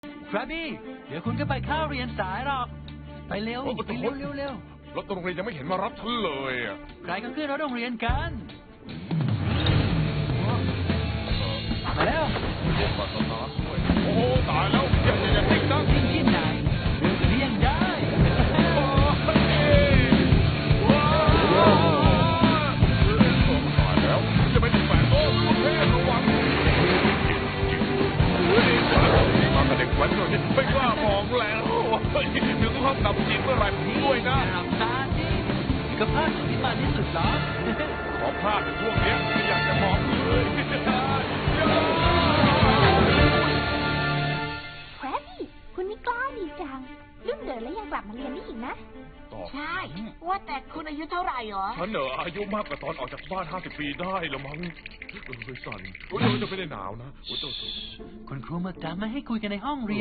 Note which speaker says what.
Speaker 1: ครับบี้เดี๋ยวคุณก็ไปเข้าเรียนสายหรอกไปเร็วไปเร็วเร็วเร็ว
Speaker 2: รถโรงเรียนยังไม่เห็นมารับฉันเลยอ่ะ
Speaker 1: ใครก็ขึ้นรถโรงเรียนกันมาแล้ว
Speaker 2: เรียนมาสตาร์ทด้วยโอ้ตายแล้วอย่าติดนะ
Speaker 1: วิ่งที่ไหนเดินเรียนได้
Speaker 2: ตายแล้วจะไม่ถึงแปดโอ้ลูกเทพระวังมากับเด็กแว้นด้วยไม่กล้ามองแล้วถึงห้องดับจิตเมื่อไหร่ด้วยนะ
Speaker 1: หลับตาสิก็พลาดจุดที่มาที่สุดหรอ
Speaker 2: ขอพลาดในช่วงนี้ไม่อยากจะมองเลย
Speaker 3: แครบบี้คุณนี่กล้าดีจังรุ่นเดินแล้วยังกลับมาเรียนได้อีกนะ
Speaker 4: ใช่ ว่าแต่คุณอายุเท่าไหร่หรอ
Speaker 2: ฉันอายุมากกว่าตอนออกจากบ้าน50 ปีได้แล้วมั้งสั่นจะไม่ได้หนาวนะ
Speaker 1: คุณครูมาจำไม่ให้คุยกันในห้องเรียน